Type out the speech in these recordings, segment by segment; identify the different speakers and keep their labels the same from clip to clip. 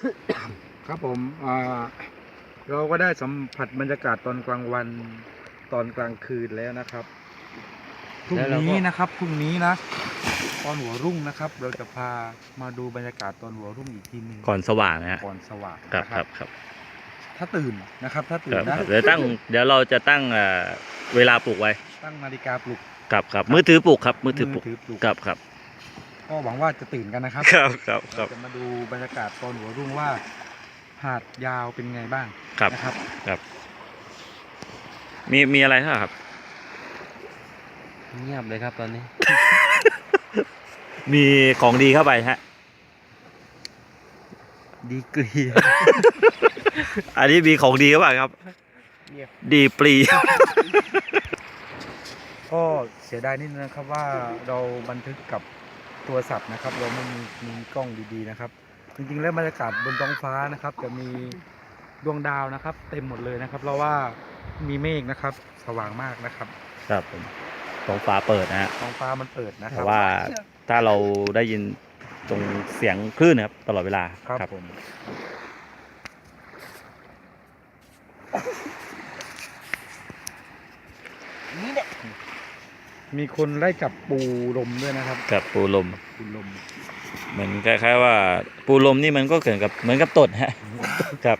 Speaker 1: ครับผมเราก็ได้สัมผัสบรรยากาศตอนกลางวันตอนกลางคืนแล้วนะครับพรุ่งนี้นะครับพรุ่งนี้นะตอนหัวรุ่งนะครับ เราจะพามาดูบรรยากาศตอนหัวรุ่งอีกทีหนึง
Speaker 2: ก่อนสว่างนะฮะ
Speaker 1: ก่อนสว่าง
Speaker 2: ครับ
Speaker 1: นะครับ
Speaker 2: ครับ
Speaker 1: ถ้าตื่นนะครับ ถ้าตื่
Speaker 2: คน รับ
Speaker 1: นะ
Speaker 2: ครับเดี๋ยวเราจะตั้งเวลาปลุกไว้
Speaker 1: ตั้งนาฬิกาปลุก
Speaker 2: ครับมือถือปลุกครับมือถือปลุก
Speaker 1: ปลุก
Speaker 2: ครับ
Speaker 1: ก็หวังว่าจะตื่นกันนะครับ
Speaker 2: ครับ
Speaker 1: เราจะมาดูบรรยากาศตอนหัวรุ่งว่าหาดยาวเป็นไงบ้าง
Speaker 2: ครับ
Speaker 1: นะครับ
Speaker 2: ครับมีอะไรครับ
Speaker 3: เงียบเลยครับตอนนี้
Speaker 2: มีของดีเข้าไปฮะ
Speaker 3: ดีกรี
Speaker 2: อันนี้มีของดีเข้าไปครับ ดีปรี
Speaker 1: ก็เสียดายนิดนึงนะครับว่าเราบันทึกกับโทรศัพท์นะครับ เราไม่มีกล้องดีๆนะครับ จริงๆแล้วบรรยากาศบนท้องฟ้านะครับ จะมีดวงดาวนะครับ เต็มหมดเลยนะครับเพราะว่ามีเมฆนะครับ สว่างมากนะครับ
Speaker 2: ครับผมท้องฟ้าเปิดนะฮะ
Speaker 1: ท้องฟ้ามันเปิดนะค
Speaker 2: แต่
Speaker 1: รับ
Speaker 2: ว่าถ้าเราได้ยินตรงเสียงคลื่นนะครับตลอดเวลา
Speaker 1: ครับผม
Speaker 3: นี่เนี่ย
Speaker 1: มีคนไล่จับปูลมด้วยนะครับ
Speaker 2: กับปูลม
Speaker 1: ปูลม
Speaker 2: เหมือนคล้ายๆว่าปูลมนี่มันก็เกิดกับเหมือนกับตดฮะ ครับ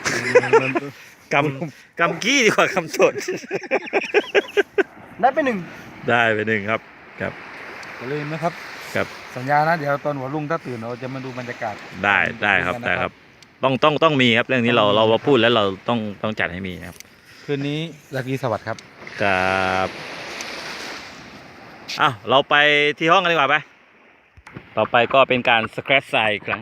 Speaker 2: กำกี้ดีกว่ากำตด
Speaker 3: ได้ไปหนึ่ง
Speaker 2: ได้ไปหนึ่งครับครับ
Speaker 1: อย่าลืมนะครับ
Speaker 2: ครับ
Speaker 1: สัญญานะเดี๋ยวตอนหัวรุ่งถ้าตื่นเราจะมาดูบรรยากาศ
Speaker 2: ได้ครับต้องมีครับเรื่องนี้เราพูดแล้วเราต้องจัดให้มีครับ
Speaker 1: คืนนี้ราตรีสวัสดิ์ครับ
Speaker 2: ครับอ้าวเราไปที่ห้องกันดีกว่าไปต่อไปก็เป็นการสแครชทรายอีกครั้ง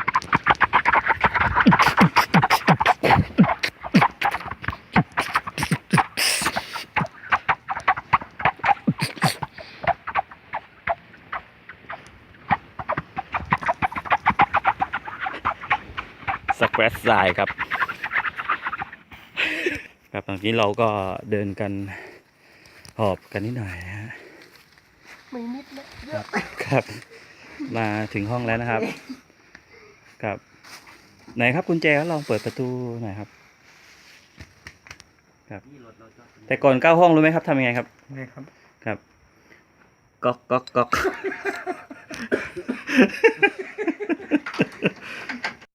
Speaker 2: สแครชทรายครับครับตอนนี้เราก็เดินกันหอบกันนิดหน่อยนะฮะ
Speaker 3: ไม่นิดนะเยอะ
Speaker 2: ครับมาถึงห้องแล้วนะครับครับไหนครับกุญแจลองเปิดประตูหน่อยครับครับ แต่ก่อนเข้าห้องรู้ไหมครับทำยังไงครับ
Speaker 1: นี่ครับ
Speaker 2: ครับก๊อก